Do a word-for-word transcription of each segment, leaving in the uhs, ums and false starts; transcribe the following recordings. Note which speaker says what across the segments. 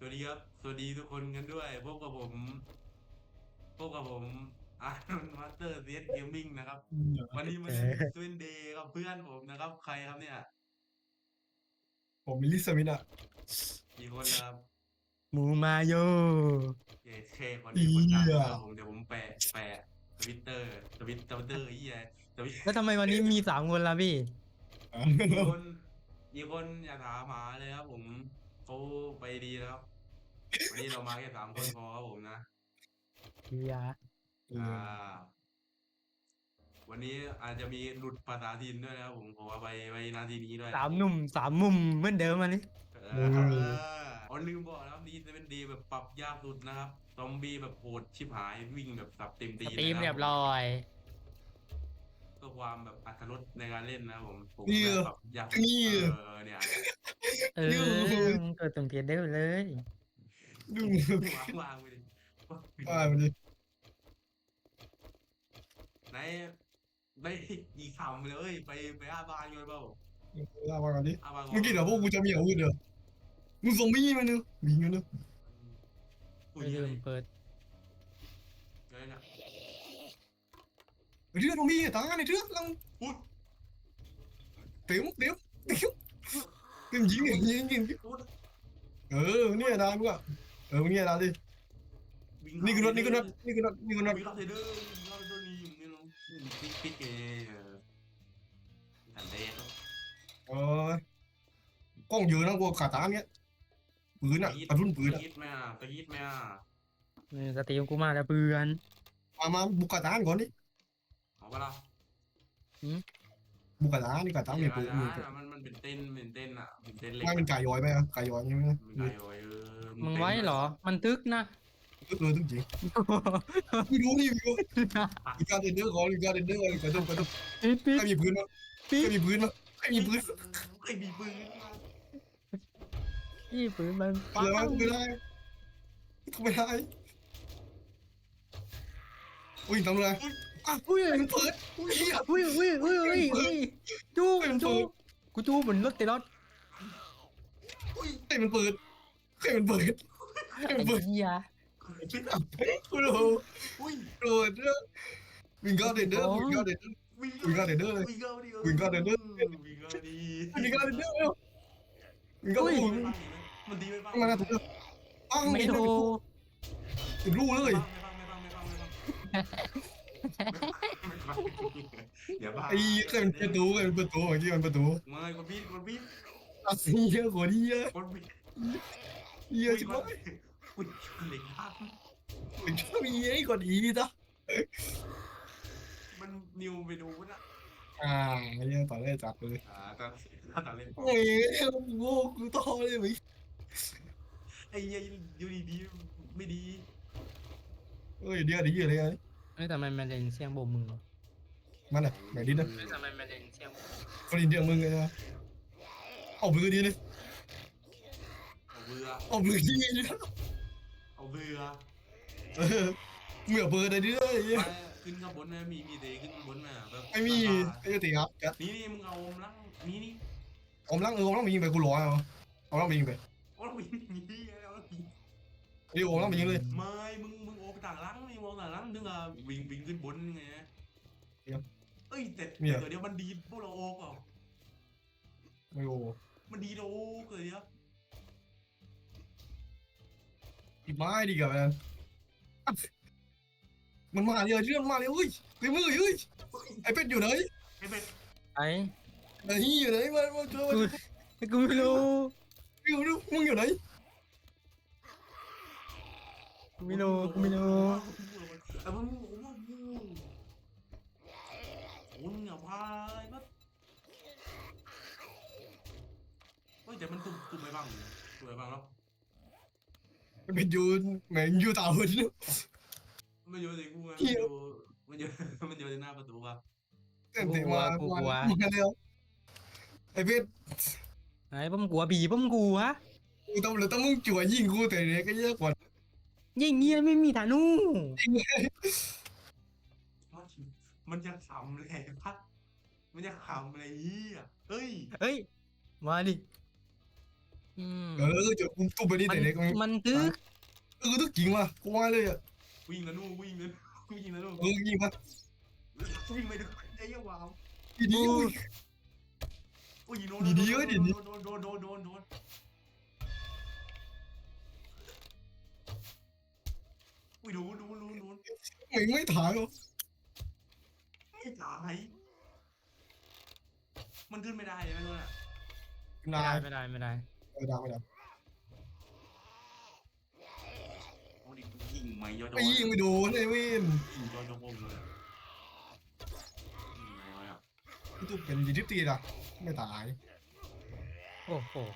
Speaker 1: วัสดีครับสวัสดีทุกคนกันด้วยพบกับผมพบกับผมอาร์นมาสเตอร์เซียสเกมมิ่งนะครับวันนี้
Speaker 2: เ
Speaker 1: มาเล่นส
Speaker 2: ออ
Speaker 1: วินเดย์กับเพื่อนผมนะครับใครครับเนี่ย
Speaker 2: ผมมิลลิสมิธอะ
Speaker 1: กี่คนแล้วครับ
Speaker 2: หมูมาโย
Speaker 1: เอเคคน
Speaker 2: อี
Speaker 1: นี้คนดัง
Speaker 2: อ่ะ
Speaker 1: นะครับผมเดี๋ยวผมแปะแปะทวิตเตอร์ทวิตทวิตเตอร์ไอ้เหี้ยทวิต
Speaker 2: แล้วทำไมวันนี้มีสามคนล่ะพี่
Speaker 1: มีคนมีคนอย่าถามหาเลยครับผมเขาไปดีแล้วครับวันนี้เรามาแค่สามคนพอครับผมนะ
Speaker 2: เฮีย
Speaker 1: อ่า วันนี้อาจจะมีหลุดภาษาถิ่นด้วยนะครับผมขอไปไว้นาทีนี้ด้วย
Speaker 2: สามหนุ่มสามมุมเหมือนเดิมอันนี้
Speaker 1: เอ
Speaker 2: โอ้ย
Speaker 1: ออ๋อลืมบอกนะครับดีจะเป็นดีแบบปรับยากสุดนะครับซอมบี้แบบโหดชิบหายวิ่งแบบสับเต็มตีน
Speaker 2: สตรีม
Speaker 1: เลยนะครับผม
Speaker 2: เรียบร้อย
Speaker 1: เพื่อความแบบอรรถรสในการเล่นนะครับผมผม
Speaker 2: นี่
Speaker 1: แบบปรับยากสุด
Speaker 2: นี่
Speaker 1: เออเนี่ยเนี่ย
Speaker 2: เออดู
Speaker 3: ดู
Speaker 2: มึงเกิดตรงเทียนได้เลย
Speaker 3: ดู
Speaker 1: วางวางไปดิ
Speaker 3: อ่ามันดิ
Speaker 1: ไหนไม่อีกคำเลยไปไปอาบานกันเปล่า
Speaker 3: ลามาก่อนดิ
Speaker 1: อาบานก่อ
Speaker 3: เมื่อกี้เดี๋ยวพวกกูจะมีอาวุธเดี๋ยวมึงซอมบี้มันเนอะวิ่งกันเนอะ
Speaker 1: คุ
Speaker 2: ไม่
Speaker 1: ยอะไร
Speaker 2: ลืมเปิด
Speaker 1: อะไรเนี่ย
Speaker 3: เรื่องซอมบี้ตายในเรื่องลัง
Speaker 1: พูด
Speaker 3: เต็มเต็มเต็มเต็มยิงยิงยิง
Speaker 1: พูด
Speaker 3: เออเนี่ยดานกูอะเออมึงเนี่ยดานดิ
Speaker 1: วิ่ง
Speaker 3: นี่
Speaker 1: เข้า
Speaker 3: คือรถนี่คือรถ
Speaker 1: ไปเลย
Speaker 3: นี่คือรถนี่คือรถ
Speaker 1: วิ่งเข้าเทเดอร์วิ่งเข้าตัวนี้อยู่นี่เนาะปิ๊กปิ๊กเออทันเดย์ครับ
Speaker 3: เออกล้องเยอะนะกูขาตาเนี้ยปืน
Speaker 1: ตะยิด
Speaker 3: อะกระสุนปืน
Speaker 1: ตะ
Speaker 3: อะ
Speaker 1: ยิดไหมอ่ะตะยิดไหมอ่ะ
Speaker 2: นี่สตรีมกูมาแล้วเพื่อน
Speaker 3: มามาบุกขาตานก่อนดิ
Speaker 1: เอาปะล่ะ
Speaker 2: หืม
Speaker 3: บุกขาตานี่ขาตา
Speaker 1: เดี๋
Speaker 3: มีปืน
Speaker 1: ยวนะ
Speaker 3: มีปืน
Speaker 1: มันมันเป็นเต้นเป็นเต้นอ่ะเป็นเต้นเหล็ก
Speaker 3: ไม่เป็น
Speaker 1: อ่ะ
Speaker 3: ไก่ย้อยไหมอะไก่ย้อยใช่ไหม
Speaker 1: มันไกลโอ้ยเออมัน
Speaker 2: มึง
Speaker 1: เต้นด้วย
Speaker 2: ไว้เหรอมันตึกนะ
Speaker 3: ตึ๊ดเลยตึ๊ดจริงไม่รู้นี่วิวมีการเดินเดอร์ก่อนมีการเดินเดอร์ก่อนกระตุกกระตุก
Speaker 2: ปิดปิด
Speaker 3: ใครมีปืนมั้ยใค
Speaker 2: ปิด
Speaker 3: รมีปืนมั้ยใครมีปืน
Speaker 1: ไอ้บีปืนมา
Speaker 2: พี่ปืนมันปั
Speaker 3: อะไรวะ
Speaker 2: ง
Speaker 3: กูไม่ได้กูไม่ได้อุ้ยทำอะไรอ่ะ
Speaker 2: อุ้ย
Speaker 3: ให้มันเปิดเฮีย
Speaker 2: อุ้ยอุ้ยอุ้ยอุ้ยอุ้ยจู้
Speaker 3: ให้มัน
Speaker 2: จู้
Speaker 3: เปิด
Speaker 2: กูจู้เหมือนรถเตลอด
Speaker 3: ให้มันเปิดให้มันเปิดให้มั
Speaker 2: ไอ้
Speaker 3: นเปิด
Speaker 2: เหี้ย
Speaker 3: กูรู้
Speaker 1: อุ้ย
Speaker 3: โกรธเด้อวิงการเดนเดอร์วิงการเดนเดอร์
Speaker 1: วิ่ง
Speaker 3: วิงการเดนเดอร์เลย
Speaker 1: วิ่งเข้าดิเออ
Speaker 3: วิงการเดนเดอร์
Speaker 1: วิ่งเข้าดิ
Speaker 3: วิงการเดนเดอร์เร็ววิงการ
Speaker 2: อุ้ย
Speaker 3: โอ้ย
Speaker 1: มันดีไปบ้าง
Speaker 3: มาแล้วถูกปัง
Speaker 2: ไม่โทร
Speaker 3: ถึงรู้เลย
Speaker 1: ไม่บ้างไม่บ้างไม่บ้างไม่บ้างอย่าบ้า
Speaker 3: ไอ้ใครเป็นประตูใครเป็นประตูเมื่อกี้มันประตู
Speaker 1: ไม่คนพี่คนพี่
Speaker 3: อ่ะเฮียกว่านี้เยอะ
Speaker 1: คนพี่
Speaker 3: เฮีย
Speaker 1: คุยก่อน
Speaker 3: จิ๋วไ
Speaker 1: คุยเหล็กภาพ
Speaker 3: อ้ชอบมีไอ้กว่านี้จ้ะ
Speaker 1: มันนิวไปดูนะ
Speaker 3: อ่าเฮียต่อเลยจับเลย
Speaker 1: อ่าตอนตอนเล่นปอ
Speaker 3: เฮ้ยโง่กูต่อเลยมั้ย
Speaker 1: ไอ้ยัยอยู่ดีๆไม่ดี
Speaker 3: เฮ้ยเดี๋ยวเดี๋ยวเลยไง
Speaker 2: เอ้ยทำไมมันเล่นเสียงโบกมือ
Speaker 3: มันอ่ะไหนดินะ
Speaker 2: เอ้ยทำไมมันเล่นเสียง
Speaker 3: คนอินเดียมึงไงนะเอามือดีเลย
Speaker 1: เอาเบื่อ
Speaker 3: เอามือดีเลย
Speaker 1: เอาเบื่อ
Speaker 3: เออมือเอาเบอร์ได้ดิเลย
Speaker 1: มาขึ้นข้างบนนะมีมีเดย์ขึ้นข้างบนนะแบบ
Speaker 3: ไม่มีไอ้ตีครับกัด
Speaker 1: นี่นี่มึงเอาลังนี่นี่
Speaker 3: อมลังเอออมลังไปยิงไปกูร้อยเอาเอาลังไปยิงไป
Speaker 1: โอ้เราวิ่งนี่แล้ว
Speaker 3: เดี๋ยวอมลังไปยิงเลย
Speaker 1: ไม่มึงมึงโอ้ไปต่างลังนี่มองต่างลังนึกอ่ะวิ่งวิ่งขึ้นบนไงเอ้ยแต่แต่เดี๋ยวมันดีพวกเราโอ้ก่อ
Speaker 3: ไม่โอ้
Speaker 1: มันดีเราโอ้เกิดเดี๋ยว
Speaker 3: อีไม้ดีกับมันมันมาเลยเรื่องมาเลยเฮ้ยเฮ้ยมือเฮ้ยไอ้เป็ดอยู่ไหน
Speaker 1: ไอ้เป็ด
Speaker 2: ไอ้
Speaker 3: ไอ้ยี่อยู่ไหนมามาเจอมา
Speaker 2: กูกูไม่รู้
Speaker 3: อยู่ดูมึงอยู่ไหน
Speaker 2: กูไม่รู้กูไม่รู้
Speaker 1: แต่มึงมึงมึงคุณอย่าพายมั้เฮ้ยแต่มันตุ่มตุ่มไปบ้างตุ่มไปบ้างแล้ว
Speaker 3: เป็ดอยู่แม่งอยู่ต่างหุ่น
Speaker 1: ไม่เยอะสิกูไงมันอยู่มันอยู่มันอยู่ในหน้าประตูว่ะ
Speaker 3: เต็มเต็มมามามาเร็วไอ้เป็ด
Speaker 2: ไอ้ผมกลัวผีผมกลัว
Speaker 3: กูต้องเลยต้องมึงจั่วยิงกูแต่เนี้ยก็เยอะกว่า
Speaker 2: ยิงเงี้ยไม่มีฐานู
Speaker 1: มันมันจะขำเลยพัดมันจะขำอะไรอ่ะเฮ้ย
Speaker 2: เฮ้ยมาดิอืม
Speaker 3: เออจะกูตุ้มไปนี่
Speaker 2: มัน
Speaker 3: แต่เด็กมัน
Speaker 2: มันตึก
Speaker 3: เออตึกจริงว่ะกูว่าเลยอ่ะ
Speaker 1: วิ่งนะนู่นวิ่งนะวิ่งนะนู่น
Speaker 3: เออจริงป่ะ
Speaker 1: วิ่งไปดูไอ้เหี้ยวาว
Speaker 3: ดีดีอุ้ย
Speaker 1: อุ้ยโดน
Speaker 3: ดีๆเว้ยดี
Speaker 1: โดนโดนโดนโดนโดนอุ้ยโดนโดนโดนโดน
Speaker 3: ไม่ไม่ถ่ายหรอ
Speaker 1: ไม่ตายมันขึ้นไม่ได้ใช่ไหมนู่นอ่ะ
Speaker 2: ไม่
Speaker 3: นา
Speaker 2: ได้
Speaker 3: ย
Speaker 2: ไม่ได้ไม่ได้
Speaker 3: ไม่ได้ไม่ได้
Speaker 1: โอ้ดิยิงไม่ยอด
Speaker 3: ไอ้ยิงไม่โดนไอ้เว้น
Speaker 1: ยิงยอดยอดวงเลยยิงไงวะ
Speaker 3: พี่ตุ้มเป็นยีทิปตีอ่ะไม่ตาย
Speaker 2: โอ้โห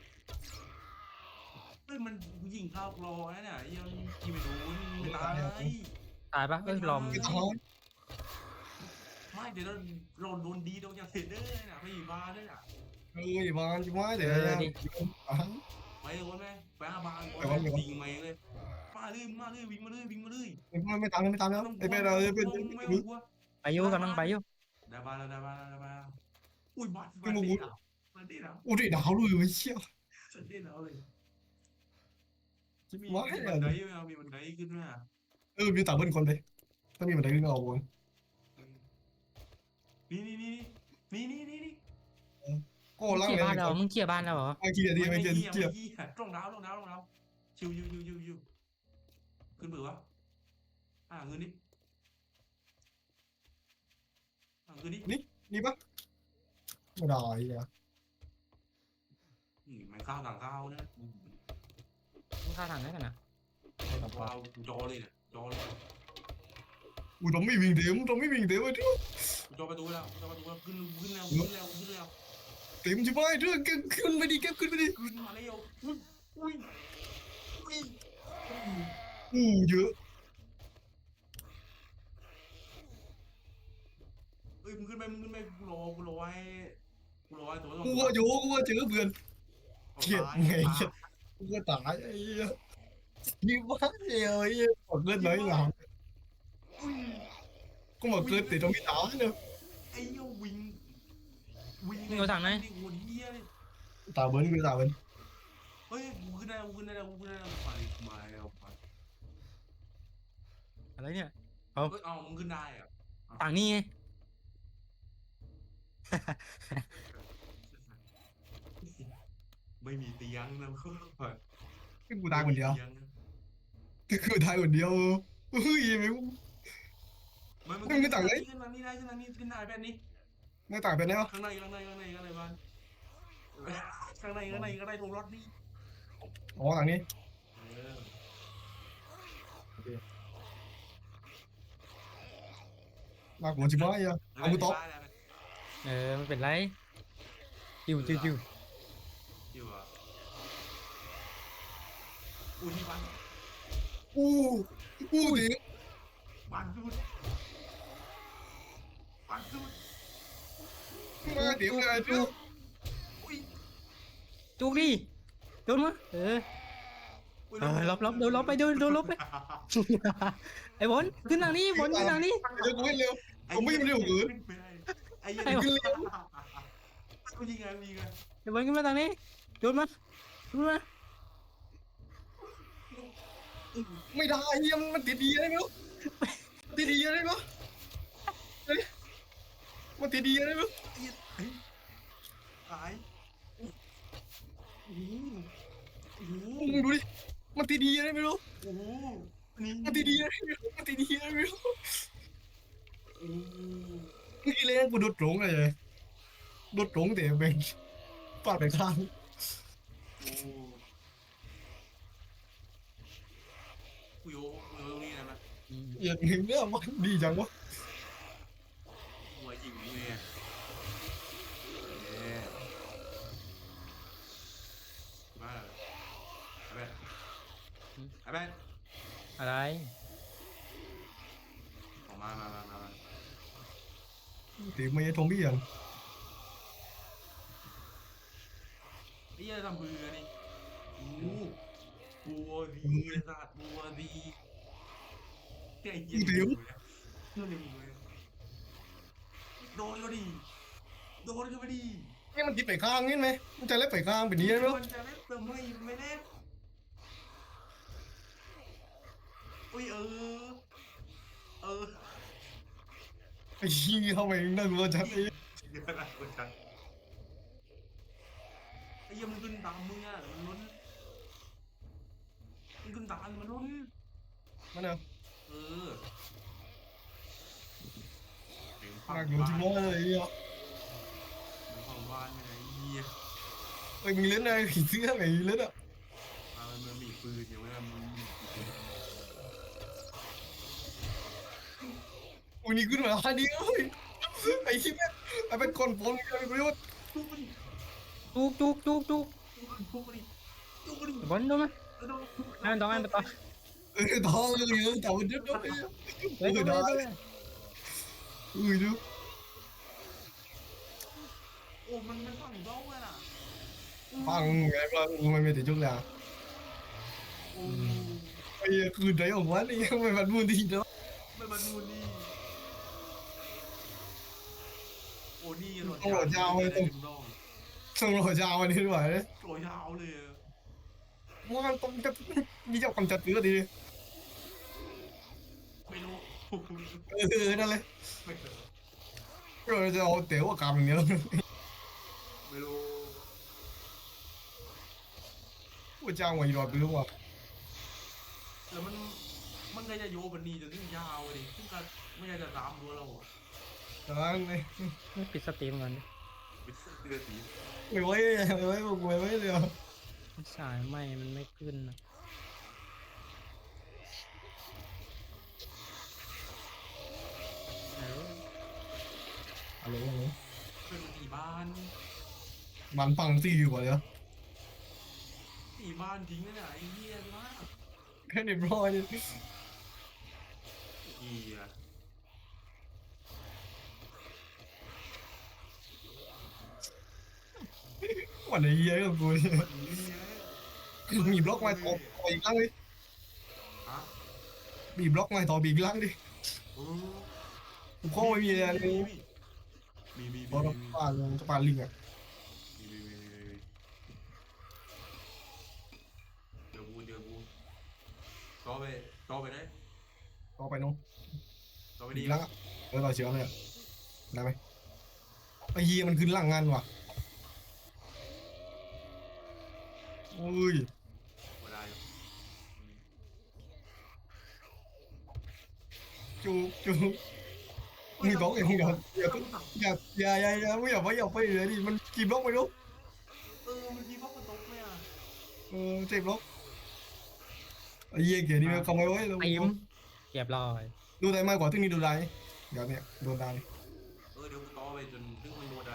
Speaker 1: เฮ้ยมันยิงเข้ารอนะเนี่ยยังยิงไม่โดนไม่ตาย
Speaker 2: ตายปะเอ้ยลอม
Speaker 3: ไม่ตาย
Speaker 1: ไม่เดี๋ยวเราเราโดนดีโดนยาเสพติดด้วยนะไม่อยู่บ้านด้วยนะ
Speaker 3: เอ้ยบานจิ๋วเดี๋ยว
Speaker 1: ไปโดนไหมไปหาบ้านก่อน
Speaker 3: ไปวันเดียว
Speaker 1: ยิงไม่เลยมาเลยมาเลยวิ่งมาเลยวิ่งมาเลย
Speaker 3: ไม่ไม่ตามไม่ตามแล้วไอ้แม่เราเป็น
Speaker 1: ไม่ต้องกลัว
Speaker 2: ไปอยู่กำลังไปอยู่
Speaker 1: ได้บ้านแล้วได้บ้านแล้วได้บ้านแล้วอุ้ยบ้าน
Speaker 3: ไม่
Speaker 1: บ้าน
Speaker 3: มา
Speaker 1: ดี
Speaker 3: วุ้
Speaker 1: นะบ้านดีนะ
Speaker 3: โอ้ยดาวเลยไอ้เชี่ย
Speaker 1: ฉันดีนะเลยมี
Speaker 3: ว้าย
Speaker 1: มีบันไดไหมมีบันไดขึ้นไหม
Speaker 3: เออมีตาเบิ้ลคนไปถ้ามีมันได้ขึ้นเอาวน
Speaker 1: นี่นี่นี่นี่นี่นี่นี่
Speaker 3: ก็
Speaker 2: มึง
Speaker 3: ล่าง
Speaker 2: เขี่ย
Speaker 3: เลย
Speaker 2: บ้านเรามึงเขี่ยบ้านเราเหรอ
Speaker 3: ไอ้เกียร์ดี
Speaker 1: ไม่
Speaker 3: ไอ้
Speaker 1: เกี
Speaker 3: เกียร์
Speaker 1: ย
Speaker 3: เกียร์
Speaker 1: ร์ตรงดาวตรงดาวตรงดาวชิวชิวชิวชิวชิวขึ้นเบื่อวะอ่าเงินนี่อ่าเงินนี่
Speaker 3: นี่ปะไม่ได้อ่ะ
Speaker 1: มันข้าวต่างข้าวนะ
Speaker 2: มึงฆ่าทางได้กันนะ
Speaker 1: ว้าวจอเลยเนี่ยจอเลย
Speaker 3: อุ้ยต้องไม่วิ่งเดี๋ยวต้องไม่วิ่งเดี๋ยวไอ้ทุก
Speaker 1: จอประตูแล้วจอประตูแล้วขึ้นขึ้นแล้วขึ้นแล้วขึ้นแล้ว
Speaker 3: เต็มจิ๋วไอ้เรื่องขึ้นไปดิเก็บขึ้นไปดิ
Speaker 1: ขึ้นมาแล้วอุ้ยอุ้ยอุ้ย
Speaker 3: อู้เยอะ
Speaker 1: เอ้ยมึงขึ้นไปมึงขึ้นไปกูรอกูรอไว้กูรอไว้ตัว
Speaker 3: กูว่าโยกูว่าเจอเพื่อนเกลียดไงกูว่าตายไอ้เหี้ยนี่ว่าเดียวไอ้เหี้ยหมดเลือดน้อยหลังก็มาเกิดแต่ต้องมีตาเนี่ย
Speaker 1: ไอ้ยวิ่งวิ่ง
Speaker 2: มึงเอาทางไหน
Speaker 1: โหดเหี้ยเลย
Speaker 3: ตาเบิ้ลคือตาเบิ้ล
Speaker 1: เฮ้ยกูขึ้นได้กูขึ้นได้กูขึ้นได้ไปมาแล้วไป
Speaker 2: อะไรเนี่ย
Speaker 1: เฮ้ยเอามึงขึ้นได้อะ
Speaker 2: ต่างนี่ไง
Speaker 1: ไม่มีเตียงนะเพื่อน
Speaker 3: คือกูตายคนเดียวคือกูตายคนเดียวเฮ้ยไม่
Speaker 1: ไม่
Speaker 3: ไม่ไม่ต่างเลย
Speaker 1: ขึ้นทางนี้ได้ขึ้นทางนี้ขึ้นได้แบบนี้
Speaker 3: ไม่ต่างเป็นไงวะ
Speaker 1: ข้างในข้างในข้างในข้างในบ้านข้างในข้างในข้างในตรงรถนี่
Speaker 3: อ๋อทางนี้
Speaker 1: เออ
Speaker 3: มากกว่าจิ๋วไอ้อะเอากูตบ
Speaker 2: เออไม่เป็นไรจิวจิวจิว
Speaker 1: อยู่อ่ะอู้ที่บ้าน
Speaker 3: อู้อู้ดิ
Speaker 1: บ้านสุดบ้านสุด
Speaker 3: มาเดี๋ยวไงทุก
Speaker 1: อุ้ย
Speaker 2: จุกดิโดนมาเออ เออลบลบเดี๋ยวลบไปเดี๋ยวเดี๋ยวลบไป ไอ้บอลขึ้นทางนี้บอลขึ้นทางนี้
Speaker 3: เดี๋ยวกูไม่เร็ว ผมไม่เร็วเกิน
Speaker 1: ไอ้ยังกูยิงไงกูยิงไง
Speaker 2: ไอ้บอลขึ้นมาทางนี้โดนมาโดนมา
Speaker 3: ไม่ได้เฮียมันติดดีอะไรไม่รู้ติดดีอะไรไม่รู้มันติดดีอะไรไม่รู้
Speaker 1: ตายโอ้โหโอ้โห
Speaker 3: มึงดูดิมันติดดีอะไรไม่รู้
Speaker 1: โอ้โหนี่
Speaker 3: มันติดดีอะไรไม่รู้มันติดดีอะไรไม่รู้
Speaker 1: โอ้โห
Speaker 3: นี่เลยกูโดดตรงเลยโดดตรงแต่เป็นฟาดไปข้าง
Speaker 1: โอ้โหกูโยกูโยตรงนี้นะมัน
Speaker 3: อย่างหนึ่งเนี่ยมันดีจังวะ
Speaker 1: หัวจริงเนี่ยเอ๊ะมาไอ้แบนไอ้แบน
Speaker 2: อะไร
Speaker 1: ออกมามามามามา
Speaker 3: ตีไม่ทงพี่ยัง
Speaker 1: นี่จะทำเบื่อนี่โอ้โหบัวดีไอ้สัตว์บัวดีไอ้เหี้ยนี่นู่นนี่มึงเลยโดนก็ดีโดนก็ไม่ดี
Speaker 3: นี่มันติดไปข้างนี่ไหมมันจะเล็บไปข้างเป็นนี้ไหม
Speaker 1: มันจะเล่นเติมไม่ไม่เล่นอุ้ยเออเออ
Speaker 3: ไอ้ชี้เข้าไปน่ากลัวจัดไอ้
Speaker 1: เดี๋ยวนะกูจัดไอ้เหี้ยังมันขึ้นตามมึงอ่ะมันล้นมันขึ้นตามมันล้น
Speaker 3: มันเอา
Speaker 1: เออเสียงฟั
Speaker 3: น่าง กลัวจริง
Speaker 1: บ้าน
Speaker 3: เลยไอ้เหี้ย
Speaker 1: เสียงฟังบ้านไม่ไหนเหี้ย
Speaker 3: ไอ้มึงเล่นอะไรผีเสื้อไงเล่นอ่ะ
Speaker 1: มามันมันมีปืนอยู่ไหมล่ะมึงมีปืน
Speaker 3: อุ้ยนี่ขึ้นมาอันนี้เอ้ยไอ้ที่แม่งไอ้เป็นคนปนกันไอ้ประโยชน์
Speaker 1: ทุบมันดิ
Speaker 2: จุกจุกจุกจุก
Speaker 1: ทุบมันดิทุบมันดิ
Speaker 2: บอลโดนไหม
Speaker 1: เออโดน
Speaker 2: นั่นต้องให้ไปต่อ
Speaker 3: เออท้องเลยเออแต่มันเยอะด้วย
Speaker 2: เฮ้ย
Speaker 3: เออ
Speaker 2: ได้
Speaker 3: ได้
Speaker 2: ได้
Speaker 3: อุ้ยดู
Speaker 1: โอ้มันมันฝั่งบ้องอ่ะน่ะ
Speaker 3: ฟังไงฟังมันไม่ติดจุกเลย
Speaker 1: โอ้
Speaker 3: ไอ้เหี้ยคือใจของมันไอ้เหี้ยมันมันมูนดีเนาะ
Speaker 1: ไม่มาดูนี่โอ้นี่หลอด
Speaker 3: ต้องหลอดยาวเลยต้อง
Speaker 1: ต้อง
Speaker 3: ต้องรอยาวอันนี้ด้วยเนี่ย
Speaker 1: หลอดยาวเลยอะ
Speaker 3: มันต้องจะมีเจ้าความจัดเนื้อดี
Speaker 1: ไม่รู้
Speaker 3: เออนั่นเลย
Speaker 1: ไม่รู้
Speaker 3: เราจะเอาเต๋อว่ากำเนี้ย
Speaker 1: ไม่รู้
Speaker 3: ว่าจ้างวันรอดไปรู้ว่า
Speaker 1: แล้วมันมันก็จะโยบันนี้จนถึงยาวเลยซึ่งก็ไม่อยากจะตามตัวเราอะ
Speaker 3: ตอนนี้
Speaker 2: ไม่ปิดสตรีมก่อนดิ
Speaker 1: เป็นเสื้อสี
Speaker 3: ไม่ไหวไม่ไหวไม่ไหวเลย
Speaker 2: สายไหมมันไม่ขึ้นนะเออ
Speaker 3: อะไรวะ
Speaker 1: เพื่อนตีบ้าน
Speaker 3: มันฟังซี่อยู่กว่าเลย
Speaker 1: ตีบ้านทิ้งเลยอะไอ้เหี้ยมาก
Speaker 3: แค่เรียบร้อยนี่
Speaker 1: เหี้ย
Speaker 3: วันไหนเยอะกับกู
Speaker 1: มันเหี้ย
Speaker 3: มีบล็อกมาต่อต่ออีกล่างดิ
Speaker 1: ฮะ
Speaker 3: มีบล็อกมาต่ออีกล่างดิ
Speaker 1: เออ
Speaker 3: กูเข้าไม่มีอะไรเลย
Speaker 1: มีมี
Speaker 3: บอล
Speaker 1: มี
Speaker 3: ปาลงปาลิงอ่ะ
Speaker 1: มีมีมีมีมีเดี๋ยวกูเดี๋ยวกูต่อไปต่อไปได้
Speaker 3: ต่อไปน้อง
Speaker 1: ต่อไป
Speaker 3: อี
Speaker 1: ดี
Speaker 3: กล่างเออต่อเชือกเลยได้ไหมไอ้เหี้ยมันขึ้นล่างงานว่ะอุ้ย
Speaker 1: ไม่ได้
Speaker 3: จุกจุกมึงต้องอย่างเงี้ยอย่าอย่าอย่าอย่าไม่อย่าไปอย่าไปเลยดิมันกี่บล็อกไม่รู้
Speaker 1: เออเมื่อกี้พ่อมันตกไหมอ่ะ
Speaker 3: เออเจ็บบล็อกไอ้เหี้ยเกียร์นี่มันขโมยไว้แล้ว
Speaker 2: ไอ้ยิ้มเรียบร้อย
Speaker 3: ดูได้มากกว่าที่นี่ดูได้เดี๋ยวเนี่ยโดนได้
Speaker 1: เออเดี๋ยวกูต่อไปจนถึงมันโดนได้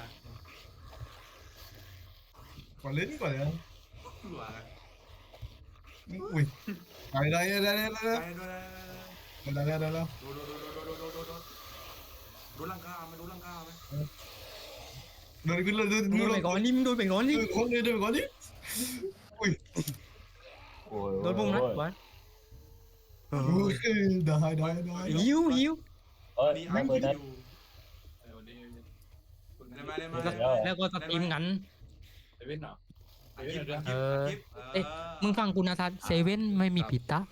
Speaker 3: ก่อนเล่นก่อนเลย
Speaker 1: เผื่ออะไร
Speaker 3: อุ้ยได้ได้ได้ได้ได้
Speaker 1: ได้ด้วยได้
Speaker 3: ได้ได้ได้แล้ว
Speaker 1: โดนโดนโดนโดนโดนโดนโดนโดนโดนลังกาไหมโดนลังกาไหม
Speaker 3: โดนขึ้นเลยโดน
Speaker 2: โดนไปก่อนนี่มึงโดนไปก่อนนี่
Speaker 3: คนเลยโดนก่อนดิอุ้ย
Speaker 2: โดนปุ่มนะบอล
Speaker 3: อุ้ยได้ได้ได้
Speaker 2: หิวหิว
Speaker 4: เอ้ย
Speaker 1: นี่
Speaker 4: ไม่
Speaker 1: อัน
Speaker 4: เปิด
Speaker 1: อ
Speaker 4: นะ
Speaker 1: ยู่ได้ไหมได้ไหม
Speaker 2: แล้วก็สตรีมกัน
Speaker 1: อัดคลิปอัดค
Speaker 2: เอ
Speaker 1: ลิป
Speaker 2: อ
Speaker 1: อัดคลิป
Speaker 2: เอ๊ะมึงฟังกูนะทัศเซเว่นไม่มีผิดตา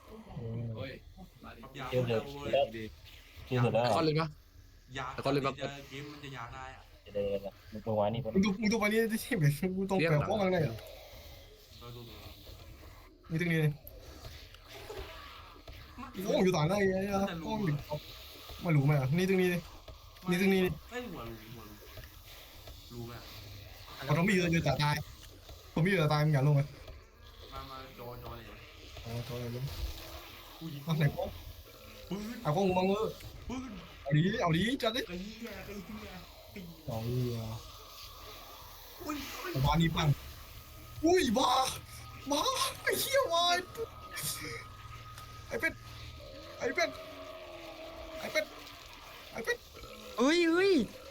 Speaker 1: ยา
Speaker 4: เดี๋ยวเดี๋ยว
Speaker 1: เว้ย
Speaker 4: ชื่อเสร็จแล้ว
Speaker 5: คอนเลยปะ
Speaker 1: ยา
Speaker 5: แล้วก็เลยแบบ
Speaker 1: จะเกมมันจะยาได้อะ
Speaker 4: จะเดินนะมึงตัววานี่เป็น
Speaker 3: มึงดูมึงดูไปนี่ที่แบบกูต้องแปลว่าอะไรอ่ะ
Speaker 1: เออดูดู
Speaker 3: นี่ตรงนี้เลยโอ้อยู่ต่างได้ไงอ่ะโอ้ยไม่รู้ไหมอ่ะนี่ตรงนี้เลย นี่ตรงนี้นี่
Speaker 1: เอ้ยหัวรู้หัวรู้รู้ไหมอะ
Speaker 3: เขาต้องมีเยอะแต่ตายผมมีเยอะแต่ตายมึงอย่าลงไหม
Speaker 1: มามาจอจอเลย
Speaker 3: อ๋อตัวอะไรลง
Speaker 1: กูยิง
Speaker 3: เอาไหนก็
Speaker 1: ปืน
Speaker 3: เอาก็งงเออ
Speaker 1: ปืน
Speaker 3: เอาดีเอาดีจัดดิ
Speaker 1: ไอ้เหี้ยไอ้เหี้ยไอ้เหี้ย
Speaker 3: เอาเหี้ย
Speaker 1: อุ้ยอุ้ย
Speaker 3: บ้านี่ปังอุ้ยบ้าบ้าไอ้เหี้ยวายไอ้เป็ดไอ้เป็ดไอ้เป็ดไอ้เป็ด
Speaker 2: เฮ้ยเฮ้ย